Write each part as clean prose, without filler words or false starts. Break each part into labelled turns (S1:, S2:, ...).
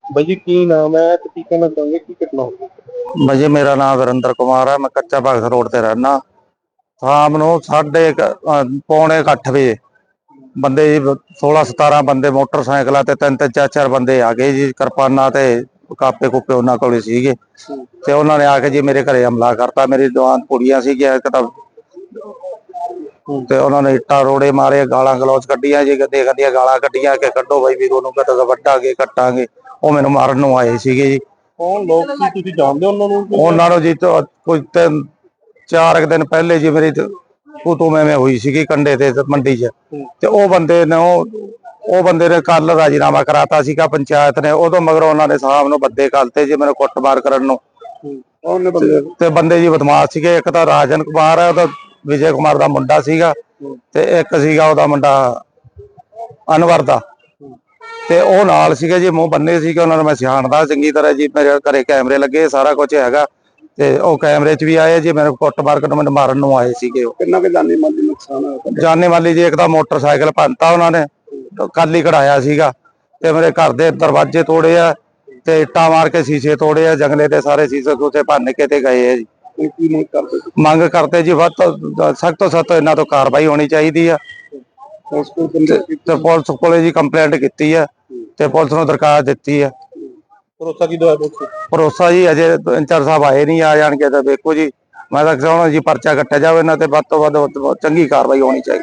S1: ਬਾਈ ਜੀ ਕੀ ਨਾਮ ਹੈ ਤੇ ਕੀ ਕਹਿਣਾ ਚਾਹੁੰਗੇ, ਕੀ ਘਟਨਾ ਹੋਈ?
S2: ਬਾਈ जी मेरा नाम वीरेंद्र कुमार है। मैं कच्चा भगत रोड से रहना। शाम ਨੂੰ पौने 8 ਵਜੇ ਬੰਦੇ ਜੀ 16-17 ਬੰਦੇ ਮੋਟਰਸਾਈਕਲਾਂ ਤੇ ਤਿੰਨ ਤਿੰਨ ਚਾਰ ਚਾਰ ਬੰਦੇ ਆ ਗਏ ਜੀ, ਕਿਰਪਾਨਾਂ ਤੇ ਕਾਪੇ ਕੁੱਪੇ ਉਹਨਾਂ ਕੋਲ ਸੀਗੇ ਤੇ ਉਹਨਾਂ ਨੇ ਆ ਕੇ ਜੀ ਮੇਰੇ ਘਰੇ ਹਮਲਾ ਕਰਤਾ। ਮੇਰੀ ਦੁਕਾਨ ਕੁੜੀਆਂ ਸੀਗੀਆਂ ਇੱਕ ਤਾਂ ਤੇ ਉਹਨਾਂ ਨੇ ਇੱਟਾਂ ਰੋੜੇ ਮਾਰੇ, ਗਾਲਾਂ ਗਲੋਚ ਕੱਢੀਆਂ ਜੀ, ਗੰਦੀਆਂ ਗੰਦੀਆਂ ਗਾਲਾਂ ਕੱਢੀਆਂ ਕਿ ਕੱਢੋ ਬਾਈ ਵੀਰ ਉਹਨੂੰ, ਕਦੇ ਵੱਢਾਂਗੇ ਕੱਟਾਂਗੇ। ਉਹ ਮੈਨੂੰ ਮਾਰਨ ਨੂੰ ਆਏ ਸੀਗੇ ਜੀ।
S1: ਕੌਣ ਲੋਕ ਸੀ, ਤੁਸੀਂ ਜਾਣਦੇ ਹੋ ਉਹਨਾਂ ਨੂੰ?
S2: ਉਹਨਾਂ ਨੂੰ ਜੀ ਕੁਝ 4 ਦਿਨ ਪਹਿਲੇ ਜੀ ਮੇਰੀ ਤੂੰ ਮੈਂ ਹੋਈ ਸੀਗੀ ਕੰਡੇ ਤੇ ਮੰਡੀ 'ਚ, ਤੇ ਉਹ ਬੰਦੇ ਨੇ ਕੱਲ ਰਾਜੀਨਾਮਾ ਕਰਾਤਾ ਸੀਗਾ ਪੰਚਾਇਤ ਨੇ। ਉਦੋਂ ਮਗਰ ਉਹਨਾਂ ਨੇ ਸ਼ਾਮ ਨੂੰ ਬੰਦੇ ਘੱਲਤੇ ਜੀ ਮੈਨੂੰ ਕੁੱਟਮਾਰ ਕਰਨ ਨੂੰ। ਤੇ ਬੰਦੇ ਜੀ ਬਦਮਾਸ਼ ਸੀਗੇ। ਇੱਕ ਤਾਂ ਰਾਜਨ ਕੁਮਾਰ ਹੈ, ਉਹਦਾ ਵਿਜੇ ਕੁਮਾਰ ਦਾ ਮੁੰਡਾ ਸੀਗਾ, ਤੇ ਇੱਕ ਸੀਗਾ ਉਹਦਾ ਮੁੰਡਾ ਅਨਵਰ ਦਾ, ਤੇ ਉਹ ਨਾਲ ਸੀਗੇ ਜੀ, ਮੂੰਹ ਬੰਨੇ ਸੀਗੇ। ਉਹਨਾਂ ਨੂੰ ਮੈਂ ਸਿਆਣਦਾ ਚੰਗੀ ਤਰ੍ਹਾਂ ਜੀ, ਮੇਰੇ ਘਰੇ ਕੈਮਰੇ ਲੱਗੇ ਸਾਰਾ ਕੁਝ ਹੈਗਾ, ਤੇ ਉਹ ਕੈਮਰੇ 'ਚ ਵੀ ਆਏ ਜੀ। ਮੈਨੂੰ ਕੁੱਟਮਾਰ ਕਰਨ ਮੈਨੂੰ ਮਾਰਨ ਨੂੰ ਆਏ ਸੀਗੇ।
S1: ਕਿੰਨਾ ਕੁ ਜਾਨੀ ਮਾਲੀ ਨੁਕਸਾਨ ਹੋਇਆ?
S2: ਜਾਨੇ ਵਾਲੀ ਜੀ ਇੱਕ ਤਾਂ ਮੋਟਰਸਾਈਕਲ ਭੰਨਤਾ ਉਹਨਾਂ ਨੇ, ਕੱਲ ਹੀ ਕਢਾਇਆ ਸੀਗਾ, ਤੇ ਮੇਰੇ ਘਰ ਦੇ ਦਰਵਾਜ਼ੇ ਤੋੜੇ ਆ, ਤੇ ਇੱਟਾਂ ਮਾਰ ਕੇ ਸ਼ੀਸ਼ੇ ਤੋੜੇ ਆ, ਜੰਗਲੇ ਦੇ ਸਾਰੇ ਸ਼ੀਸ਼ੇ ਉੱਥੇ ਭੰਨ ਕੇ ਤੇ ਗਏ ਆ ਜੀ।
S1: ਕੀ
S2: ਮੰਗ ਕਰਦੇ ਜੀ ਵੱਧ ਤੋਂ ਸਖਤ ਤੋਂ ਸਖਤ ਇਹਨਾਂ ਤੋਂ ਕਾਰਵਾਈ ਹੋਣੀ ਚਾਹੀਦੀ ਆ। ਤੇ ਪੁਲਿਸ ਕੋਲੇ ਜੀ ਕੰਪਲੇਂਟ ਕੀਤੀ ਆ, ਤੇ ਪੁਲਿਸ ਨੂੰ ਦਰਖਾਸਤ ਦਿੱਤੀ ਆ।
S1: ਭਰੋਸਾ ਕੀ ਦਵਾਇਆ?
S2: ਭਰੋਸਾ ਜੀ ਅਜੇ ਇੰਚਾਰਜ ਸਾਹਿਬ ਆਏ ਨਹੀਂ, ਆ ਜਾਣਗੇ ਤਾਂ ਵੇਖੋ ਜੀ। ਮੈਂ ਤਾਂ ਚਾਹੁੰਦਾ ਜੀ ਪਰਚਾ ਕੱਟਿਆ ਜਾਵੇ ਇਹਨਾਂ ਤੇ, ਵੱਧ ਤੋਂ ਵੱਧ ਚੰਗੀ ਕਾਰਵਾਈ ਹੋਣੀ ਚਾਹੀਦੀ।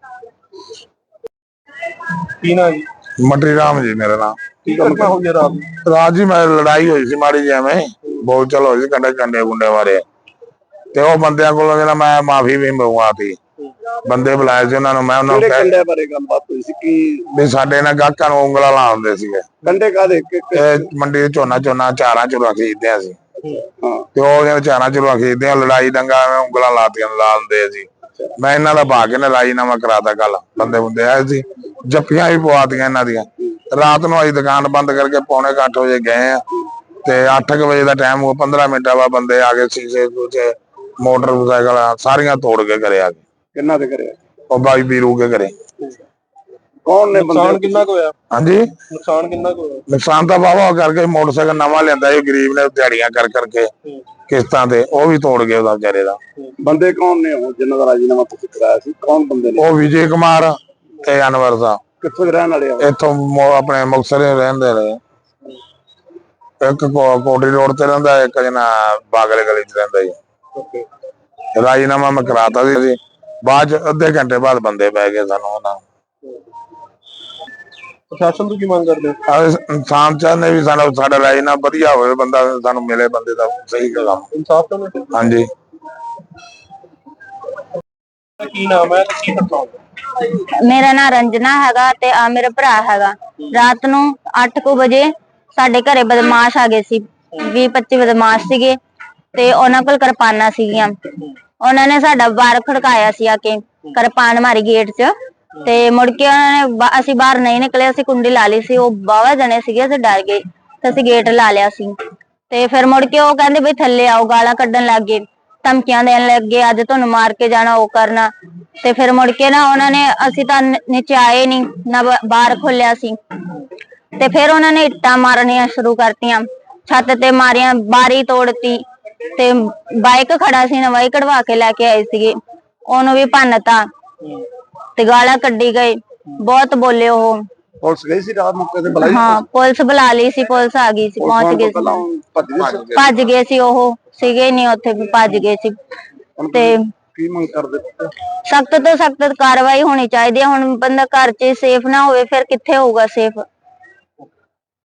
S1: ਕੀ ਨਾਮ ਜੀ?
S3: मटरी राम जी मेरा नाम।
S1: ਕੀ ਘਟਨਾ ਹੋਈ ਹੈ ਰਾਤ ਨੂੰ?
S3: रात जी मैं लड़ाई हुई सी माड़ी जी में बोल चल होई सी कंडे कंडे गुंडे मारे ते ओ बंदियां कोलों जेड़ा मैं माफी भी मंगवाती। ਬੰਦੇ ਬੁਲਾਏ ਸੀ ਉਹਨਾਂ ਨੂੰ। ਮੈਂ ਉਹਨਾਂ ਨੂੰ
S1: ਕਿਹੜੇ ਕੰਡੇ ਬਾਰੇ ਗੱਲਬਾਤ ਹੋਈ ਸੀ? ਕੀ
S3: ਵੀ ਸਾਡੇ ਨਾਲ ਗਾਹਕਾਂ ਨੂੰ ਉਂਗਲਾਂ ਲਾਉਂਦੇ ਸੀਗੇ।
S1: ਕੰਡੇ ਕਾਦੇ?
S3: ਇਹ ਮੰਡੀ ਦੇ ਝੋਨਾ ਚਾਰਾਂ ਚੁਰਾ ਖਰੀਦਦੇ ਸੀ, ਤੇ ਉਹ ਜਿਹੜੇ ਚਾਰਾਂ ਚੁਰਾ ਖਰੀਦਦੇ ਲੜਾਈ ਦੰਗਾ ਉਂਗਲਾਂ ਲਾਉਂਦੇ ਸੀ। ਮੈਂ ਇਹਨਾਂ ਦਾ ਭਾਗ ਕੇ ਰਾਜੀਨਾਮਾ ਕਰਾਤਾ। ਕੱਲ ਬੰਦੇ ਬੁੰਦੇ ਆਏ ਸੀ, ਜੱਫੀਆਂ ਵੀ ਪਵਾਤੀਆਂ ਇਹਨਾਂ ਦੀਆਂ। ਰਾਤ ਨੂੰ ਅਸੀਂ ਦੁਕਾਨ ਬੰਦ ਕਰਕੇ ਪੌਣੇ 8 ਵਜੇ ਗਏ ਆ, ਤੇ 8 ਵਜੇ ਦਾ ਟਾਈਮ ਉਹ 15 ਮਿੰਟਾਂ ਬਾਅਦ ਬੰਦੇ ਆ ਕੇ ਸ਼ੀਸ਼ੇ ਮੋਟਰਸਾਈਕਲ ਸਾਰੀਆਂ ਤੋੜ ਕੇ ਘਰੇ ਆ ਗਏ।
S1: ਕਿੰਨਾ ਦੇ ਕਰਿਆ?
S3: ਉਹ ਬਾਈ ਵੀਰੂ ਕੇ ਘਰੇ।
S1: ਕੌਣ ਨੇ? ਨੁਕਸਾਨ ਕਿੰਨਾ ਕੁ ਹੋਇਆ?
S3: ਹਾਂਜੀ
S1: ਨੁਕਸਾਨ ਕਿੰਨਾ ਕੁ ਹੋਇਆ?
S3: ਨੁਕਸਾਨ ਤਾਂ ਵਾਹਵਾ ਕਰਕੇ ਮੋਟਰਸਾਈਕਲ ਨਵਾਂ ਲਿਆਂਦਾ ਸੀ ਗਰੀਬ ਨੇ, ਦਿਹਾੜੀਆਂ ਕਰ ਕਰਕੇ ਕਿਸ਼ਤਾਂ ਤੇ, ਉਹ ਵੀ ਤੋੜ ਗਏ ਉਹਦਾ ਵਿਚਾਰੇ ਦਾ।
S1: ਬੰਦੇ ਕੌਣ ਨੇ ਉਹ ਜਿਨ੍ਹਾਂ ਦਾ ਰਾਜੀਨਾਮਾ ਤੁਸੀਂ ਕਰਾਇਆ ਸੀ? ਕੌਣ ਬੰਦੇ ਨੇ?
S3: ਉਹ ਵਿਜੇ ਕੁਮਾਰ ਤੇ ਅਨਵਰ ਦਾ।
S1: ਕਿੱਥੋਂ ਦੇ ਰਹਿਣ ਵਾਲੇ ਆ?
S3: ਇੱਥੋਂ ਆਪਣੇ ਮੁਕਤਸਰ ਰਹਿੰਦੇ ਰਹੇ। ਇੱਕ ਕੋਟਰੀ ਰੋਡ ਤੇ ਰਹਿੰਦਾ, ਇੱਕ ਜਣਾ ਬਾਗਲੇ ਗਲੀ ਚ ਰਹਿੰਦਾ ਜੀ। ਰਾਜੀਨਾਮਾ ਮੈਂ ਕਰਾਤਾ ਸੀ, ਬਾਅਦ ਚ ਅੱਧੇ ਘੰਟੇ ਬਾਅਦ ਬੰਦੇ ਪੈ ਗਏ ਸਾਨੂੰ ਉਹਨਾਂ।
S1: ਪ੍ਰਸ਼ਾਸਨ ਤੋਂ ਕੀ ਮੰਗ ਕਰਦੇ ਹੋ?
S3: ਇਨਸਾਨ ਚਾਹੁੰਦੇ ਵੀ ਸਾਡਾ ਰਾਜੀਨਾਮਾ ਵਧੀਆ ਹੋਵੇ, ਬੰਦਾ ਸਾਨੂੰ ਮਿਲੇ, ਬੰਦੇ ਦਾ ਸਹੀ ਕੰਮ।
S1: ਇਨਸਾਫ ਤਾਂ?
S3: ਹਾਂਜੀ।
S1: ਕੀ ਨਾਮ ਹੈ ਤੇ ਕੀ ਘਟਨਾ?
S4: ਮੇਰਾ ਨਾਮ ਰੰਜਨਾ ਹੈਗਾ ਤੇ ਆ ਮੇਰਾ ਭਰਾ ਹੈਗਾ। ਰਾਤ ਨੂੰ 8 ਵਜੇ ਸਾਡੇ ਘਰੇ ਬਦਮਾਸ਼ ਆ ਗਏ ਸੀ, 20-25 ਬਦਮਾਸ਼ ਸੀਗੇ, ਤੇ ਉਹਨਾਂ ਕੋਲ ਕਿਰਪਾਨਾਂ ਸੀਗੀਆਂ। ਉਹਨਾਂ ਨੇ ਸਾਡਾ ਬਾਰ ਖੜਕਾਇਆ ਸੀ, ਆ ਕੇ ਕਿਰਪਾਨ ਮਾਰੀ ਗੇਟ 'ਚ, ਤੇ ਮੁੜ ਕੇ ਉਹਨਾਂ ਨੇ ਅਸੀਂ ਬਾਹਰ ਨਹੀਂ ਨਿਕਲੇ, ਅਸੀਂ ਕੁੰਡੀ ਲਾ ਲਈ ਸੀ। ਉਹ ਬਾਵਾ ਜਣੇ ਸੀਗੇ, ਅਸੀਂ ਡਰ ਗਏ ਤੇ ਅਸੀਂ ਗੇਟ ਲਾ ਲਿਆ ਸੀ। ਤੇ ਫਿਰ ਮੁੜ ਕੇ ਉਹ ਕਹਿੰਦੇ ਬਈ ਥੱਲੇ ਆਓ, ਗਾਲਾਂ ਕੱਢਣ ਲੱਗ ਗਏ, ਧਮਕੀਆਂ ਦੇਣ ਲੱਗੇ, ਅੱਜ ਤੁਹਾਨੂੰ ਮਾਰ ਕੇ ਜਾਣਾ, ਉਹ ਕਰਨਾ। ਤੇ ਫਿਰ ਮੁੜ ਕੇ ਨਾ ਉਹਨਾਂ ਨੇ, ਅਸੀਂ ਤਾਂ ਨੀਚੇ ਆਏ ਨਹੀਂ ਨਾ, ਬਾਹਰ ਖੋਲਿਆ ਸੀ, ਤੇ ਫਿਰ ਉਹਨਾਂ ਨੇ ਇੱਟਾਂ ਮਾਰਨੀਆਂ ਸ਼ੁਰੂ ਕਰਤੀਆਂ, ਛੱਤ ਤੇ ਮਾਰੀਆਂ, ਬਾਰੀ ਤੋੜਤੀ, ਤੇ ਬਾਈਕ ਖੜਾ ਸੀ ਨਾ, ਬਾਈਕ ਕਢਵਾ ਕੇ ਲੈ ਕੇ ਆਏ ਸੀਗੇ, ਉਹਨੂੰ ਵੀ ਭੰਨਤਾ, ਤੇ ਗਾਲਾਂ ਕੱਢੀ ਗਏ, ਬਹੁਤ ਬੋਲੇ ਉਹ।
S1: ਪੁਲਿਸ ਗਈ ਸੀ ਰਾਤ ਮੌਕੇ ਤੇ? ਬੁਲਾਈ?
S4: ਹਾਂ ਪੁਲਿਸ ਬੁਲਾ ਲਈ ਸੀ, ਪੁਲਿਸ ਆ ਗਈ ਸੀ, ਪਹੁੰਚ ਗਏ ਸੀ, ਭੱਜ ਗਏ ਸੀ, ਉਹ ਸੀਗੇ ਨਹੀਂ ਉੱਥੇ, ਭੱਜ ਗਏ ਸੀ। ਤੇ
S1: ਕੀ ਮੰਗ ਕਰਦੇ?
S4: ਸਖਤ ਤੋਂ ਸਖਤ ਕਾਰਵਾਈ ਹੋਣੀ ਚਾਹੀਦੀ ਹੈ। ਹੁਣ ਬੰਦਾ ਘਰ 'ਚ ਸੇਫ ਨਾ ਹੋਵੇ, ਫਿਰ ਕਿੱਥੇ ਹੋਊਗਾ ਸੇਫ?